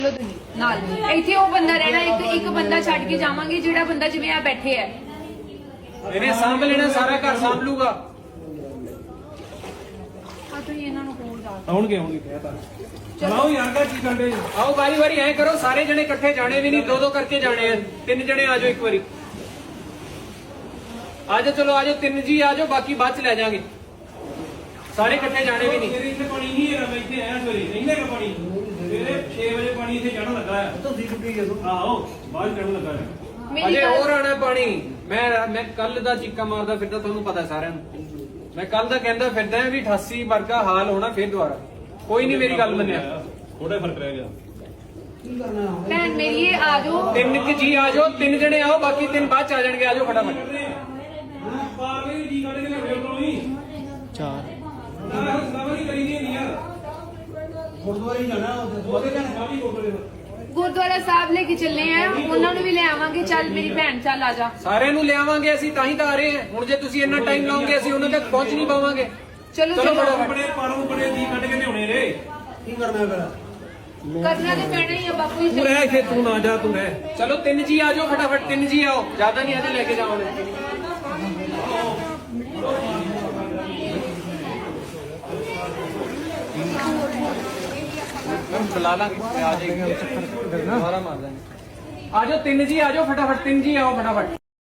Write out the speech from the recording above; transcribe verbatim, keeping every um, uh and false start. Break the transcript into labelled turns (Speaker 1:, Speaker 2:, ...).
Speaker 1: ਨਾਲ ਇੱਥੇ ਉਹ ਬੰਦਾ ਰਹਿਣਾ, ਇੱਕ ਇੱਕ ਬੰਦਾ ਛੱਡ ਕੇ ਜਾਵਾਂਗੇ ਜਿਹੜਾ ਬੰਦਾ ਜਿਵੇਂ ਆ ਬੈਠੇ ਹੈ
Speaker 2: ਇਹਨੇ ਸਾਂਭ ਲੈਣਾ, ਸਾਰਾ ਘਰ ਸਾਂਭ ਲੂਗਾ।
Speaker 1: ਆ ਤੁਸੀਂ ਇਹਨਾਂ ਨੂੰ ਕੋਲ ਜਾ
Speaker 2: ਆਉਣਗੇ ਆਉਣਗੇ ਕਹਿਤਾ ਚਲਾਓ ਯਾਰ ਦਾ ਕੀ ਕਰਦੇ ਆਓ ਵਾਰੀ ਵਾਰੀ ਐ ਕਰੋ, ਸਾਰੇ ਜਣੇ ਇਕੱਠੇ ਜਾਣੇ ਵੀ ਨਹੀਂ, ਦੋ ਦੋ ਕਰਕੇ ਜਾਣੇ ਆ। ਤਿੰਨ ਜਣੇ ਆ ਜਾਓ ਇੱਕ ਵਾਰੀ, ਆ ਜਾਓ, ਚਲੋ ਆ ਜਾਓ, ਤਿੰਨ ਜੀ ਆ ਜਾਓ, ਬਾਕੀ ਬਾਅਦ ਚ ਲੈ ਜਾਾਂਗੇ। ਸਾਰੇ ਇਕੱਠੇ ਜਾਣੇ ਵੀ ਨਹੀਂ। ਇੱਥੇ ਪਾਣੀ ਨਹੀਂ ਹੈਗਾ, ਮੈਂ ਇੱਥੇ ਆਇਆ ਸਵੇਰੇ, ਨਹੀਂ ਹੈਗਾ ਪਾਣੀ। ਸਵੇਰੇ ਛੇ ਵਜੇ ਪਾਣੀ ਇੱਥੇ ਚੜਨ ਲੱਗਾ ਹੈ। ਤੁਸੀਂ ਚੁੱਕੀ ਗਏ ਆਹੋ, ਬਾਹਰ ਚੜਨ ਲੱਗਾ ਹੈ। ਅਜੇ ਹੋਰ ਆਣਾ ਪਾਣੀ। ਮੈਂ ਮੈਂ ਕੱਲ ਦਾ ਚੀਕਾ ਮਾਰਦਾ ਫਿਰਦਾ, ਤੁਹਾਨੂੰ ਪਤਾ ਸਾਰਿਆਂ ਨੂੰ। ਮੈਂ ਕੱਲ ਦਾ ਕਹਿੰਦਾ ਫਿਰਦਾ ਵੀ ਅਠਾਸੀ ਵਰਗਾ ਹਾਲ ਹੋਣਾ ਫਿਰ ਦੁਬਾਰਾ। ਕੋਈ ਨਹੀਂ ਮੇਰੀ ਗੱਲ ਮੰਨਿਆ, ਥੋੜਾ ਫਰਕ ਰਹਿ ਗਿਆ।
Speaker 1: ਭੈਣ ਮੇਰੀ ਇਹ ਆ ਜਾਓ,
Speaker 2: ਤਿੰਨ ਕਿ ਜੀ ਆ ਜਾਓ, ਤਿੰਨ ਜਣੇ ਆਓ, ਬਾਕੀ ਤਿੰਨ ਬਾਅਦ ਚ ਆ ਜਾਣਗੇ। ਆ ਜਾਓ ਫਟਾਫਟ। ਚਾਰ
Speaker 3: ਗੁਰਦੁਆਰੇ ਜਾਣਾ,
Speaker 1: ਗੁਰਦੁਆਰਾ ਸਾਹਿਬ ਲੈ ਕੇ ਚੱਲੇ ਆ, ਉਹਨਾਂ ਨੂੰ ਵੀ ਲੈ ਆਵਾਂਗੇ। ਚੱਲ ਮੇਰੀ ਭੈਣ ਚੱਲ ਆ ਜਾ।
Speaker 2: ਸਾਰਿਆਂ ਨੂੰ ਲਿਆਵਾਂਗੇ ਅਸੀਂ, ਤਾਂ ਹੀ ਤਾਂ ਆ ਰਹੇ ਹਾਂ। ਹੁਣ ਜੇ ਤੁਸੀਂ ਇੰਨਾ ਟਾਈਮ ਲਾਓਗੇ ਅਸੀਂ ਉਹਨਾਂ ਤੱਕ ਪਹੁੰਚ ਨਹੀਂ ਪਾਵਾਂਗੇ।
Speaker 1: ਚਲੋ
Speaker 2: ਚਲੋ
Speaker 1: ਚਲੋ,
Speaker 2: ਬੜੇ ਪਾਰੋਂ ਬੜੇ ਦੀ ਕੱਢ ਕੇ ਲਿਆਉਣੇ ਰੇ।
Speaker 3: ਕੀ ਕਰਨਾ ਫਿਰ?
Speaker 1: ਕਰਨਾ ਤੇ ਪੈਣਾ ਹੀ ਆ ਬਾਪੂ ਜੀ।
Speaker 2: ਤੂੰ ਰਹਿ ਇੱਥੇ, ਤੂੰ ਨਾ ਜਾ, ਤੂੰ ਰਹਿ। ਚਲੋ ਤਿੰਨ ਜੀ ਆ ਜਾਓ ਫਟਾਫਟ, ਤਿੰਨ ਜੀ ਆਓ, ਜ਼ਿਆਦਾ ਨਹੀਂ ਅਜੇ ਲੈ ਕੇ ਜਾਓਗੇ। ਬੁਲਾ ਲਾਂਗੇ, ਆ ਜਾਏਗਾ ਦੁਬਾਰਾ ਮਾਰ ਦਾਂਗੇ। ਆ ਜਾਓ ਤਿੰਨ ਜੀ ਆ ਜਾਓ ਫਟਾਫਟ, ਤਿੰਨ ਜੀ ਆਓ ਫਟਾਫਟ।